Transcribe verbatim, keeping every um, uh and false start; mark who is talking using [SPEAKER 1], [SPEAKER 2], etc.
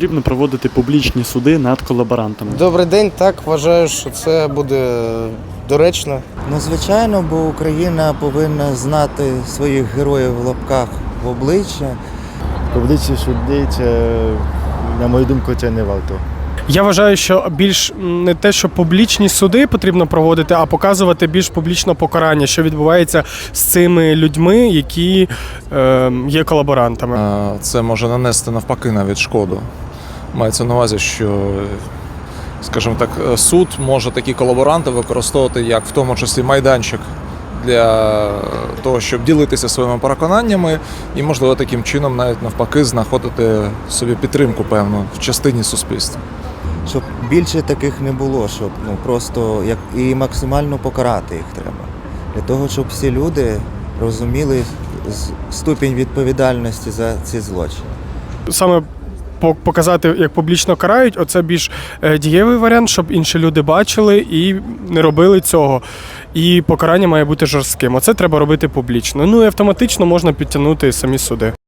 [SPEAKER 1] потрібно проводити публічні суди над колаборантами?
[SPEAKER 2] Добрий день, так, вважаю, що це буде доречно.
[SPEAKER 3] Ну, звичайно, бо Україна повинна знати своїх героїв в лапках в обличчя.
[SPEAKER 4] Публічні суди, це, на мою думку, це не варто.
[SPEAKER 5] Я вважаю, що більш не те, що публічні суди потрібно проводити, а показувати більш публічно покарання, що відбувається з цими людьми, які е, є колаборантами.
[SPEAKER 6] Це може нанести навпаки навіть шкоду. Мається на увазі, що, скажімо так, суд може такі колаборанти використовувати як в тому числі майданчик для того, щоб ділитися своїми переконаннями і, можливо, таким чином навіть навпаки знаходити собі підтримку певну в частині суспільства.
[SPEAKER 3] Щоб більше таких не було, щоб ну просто як і максимально покарати їх треба. Для того, щоб всі люди розуміли ступінь відповідальності за ці злочини.
[SPEAKER 5] Саме показати, як публічно карають, оце більш дієвий варіант, щоб інші люди бачили і не робили цього. І покарання має бути жорстким. Оце треба робити публічно. Ну і автоматично можна підтягнути самі суди.